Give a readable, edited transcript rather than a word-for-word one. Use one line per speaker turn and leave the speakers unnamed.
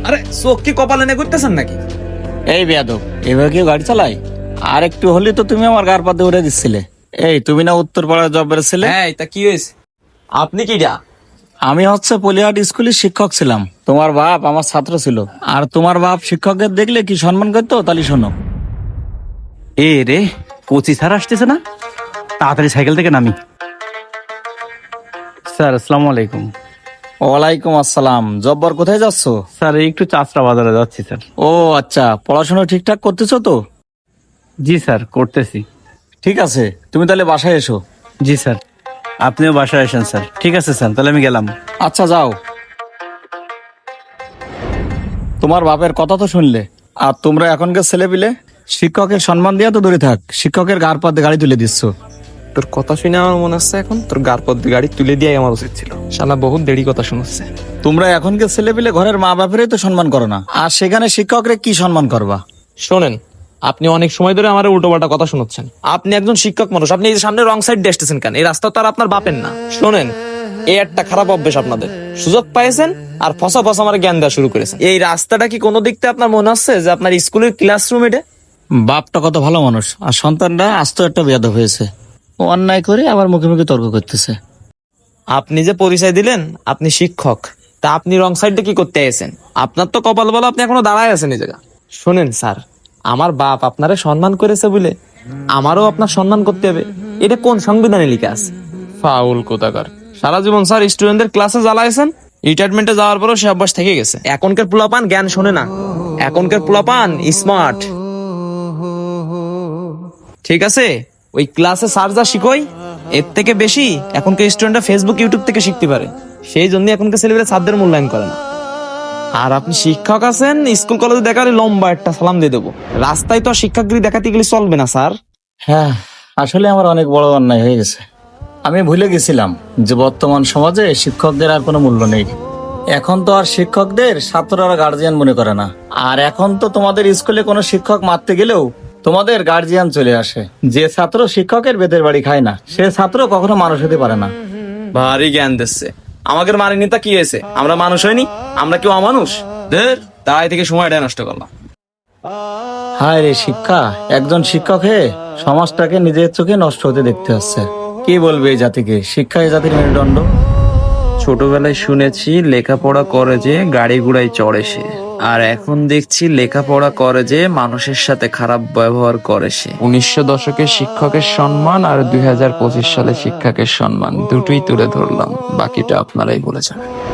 আরে চোখ কি কপালে নে করতেছেন নাকি?
এই বেয়াদব, এভাবে কেউ গাড়ি চালায়? আর একটু হলে তো তুমি আমার গার পাতে উড়ে দিচ্ছিলে। এই তুমি না উত্তরপাড়ায় জব বেড়েছিলে?
হ্যাঁ, তা কি হয়েছে? আপনি কি যা?
আমি হচ্ছে পলিহাট স্কুলের শিক্ষক ছিলাম। তোমার বাপ আমার ছাত্র ছিল। আর তোমার বাপ শিক্ষকদের দেখলে কি সম্মান করতো তাহলে শোনো।
এ রে, কোচি স্যার আসতেছে না, তাড়াতাড়ি সাইকেল থেকে নামি। স্যার আসসালামু আলাইকুম।
ওয়ালাইকুম আসসালাম। জব্বর, কোথায় যাচ্ছ?
স্যার এই একটু চাচরা বাজারে যাচ্ছি স্যার।
ও আচ্ছা, পড়াশোনা ঠিকঠাক করতেছো তো?
জি স্যার, করতেছি।
ঠিক আছে, তুমি তাহলে বাসায় এসো।
জি স্যার, আপনিও বাসায় আসেন স্যার। ঠিক আছে স্যার, তাহলে আমি গেলাম।
আচ্ছা যাও। তোমার বাপের কথা তো শুনলে। আর তোমরা এখনকার ছেলে পিলে শিক্ষকের সম্মান দিয়া তো দূরে থাক, শিক্ষকের গার পাতে গাড়ি তুলে দিচ্ছ।
তোর কথা শুনে আমার মনে হচ্ছে এখন তোর গার পর গাড়ি তুলে দিয়ে আমার উচিত ছিল। শালা বহুত দেরি কথা শুনছে।
তোমরা এখনকার ছেলে পিলে ঘরের মা বাপেরই তো সম্মান করো না, আর সেখানে শিক্ষকরে কি সম্মান করবা?
শোনেন, আপনি অনেক সময় ধরে আমার উল্টোপাল্টা কথা শোনাচ্ছেন। আপনি একজন শিক্ষক মানুষ, আপনি এই যে সামনে রং সাইড দিয়ে আসতেছেন কেন? এই রাস্তা তো আর আপনার বাপের না। শোনেন, এই একটা খারাপ অভ্যেস আপনাদের। সুযোগ পাইছেন আর ফসা ফসা আমার জ্ঞান দেওয়া শুরু করেছেন। এই রাস্তাটা কি কোনো দিক থেকে আপনার মনে হচ্ছে যে আপনার স্কুলের ক্লাসরুম এটা?
বাপটা কত ভালো মানুষ, আর সন্তানরা আস্ত একটা বেয়াদব হয়েছে। ও অন্যায় করে আবার মুখে মুখে তর্ক করতেছে।
আপনি যে পরিচয় দিলেন আপনি শিক্ষক, তা আপনি রং সাইডে কি করতে আছেন? আপনার তো কপাল বলা আপনি এখনো দাঁড়ায় আছেন এই জায়গা। শোনেন স্যার, আমার বাপ আপনারে সম্মান করেছে বলে আমারও আপনার সম্মান করতে হবে। এটা কোন সংবিধানে লেখা আছে? ফাউল কোথাকার। সারা জীবন স্যার স্টুডেন্টদের ক্লাসে জ্বালাইছেন, রিটায়ারমেন্টে যাওয়ার পরও সে অভ্যাস থেকে গেছে। এখনকার পোলাপান জ্ঞান শোনে না, এখনকার পোলাপান স্মার্ট। ঠিক আছে, ওই ক্লাসে স্যার যা শিখোই এর থেকে বেশি এখনকার স্টুডেন্টরা ফেসবুক ইউটিউব থেকে শিখতে পারে। সেই জন্য এখনকার ছেলেমেয়েরা ছাত্রদের মূল্যায়ন করে না। আর আপনি শিক্ষক আছেন, স্কুল কলেজে দেখালে লম্বা একটা সালাম দিয়ে দেবো। রাস্তায় তো আর শিক্ষাগিরি দেখাতে গেলে চলবে না স্যার।
হ্যাঁ, আসলে আমার অনেক বড় অন্যায় হয়ে গেছে। আমি ভুলে গেছিলাম যে বর্তমান সমাজে শিক্ষকদের আর কোনো মূল্য নেই। এখন তো আর শিক্ষকদের ছাত্ররা গার্জিয়ান মনে করে না। আর এখন তো তোমাদের স্কুলে কোনো শিক্ষক মারতে গেলেও তোমাদের গার্জিয়ান চলে আসে। যে ছাত্র শিক্ষকের বেতের বাড়ি খায় না, সে ছাত্র কখনো মানুষ হতে পারে না।
ভারী জ্ঞান দিচ্ছে। আমাদের মানিনি তা কি হয়েছে? আমরা মানুষ হয়নি? আমরা কেউ অমানুষ? দের তাই থেকে সময়টা নষ্ট করলাম।
হায় রে শিক্ষা, একজন শিক্ষক হয়ে সমাজটাকে নিজের চোখে নষ্ট হতে দেখতে হচ্ছে। কি বলবে এই জাতিকে? শিক্ষা এই জাতির মেরুদণ্ড।
ছোটবেলায় শুনেছি লেখাপড়া করে যে গাড়ি ঘোড়ায় চড়ে সে, আর এখন দেখছি লেখাপড়া করে যে মানুষের সাথে খারাপ ব্যবহার করে সে। 1900 দশকের শিক্ষকের সম্মান আর 2025 সালে শিক্ষকের সম্মান দুটোই তুলে ধরলাম, বাকিটা আপনারাই বলে যাবেন।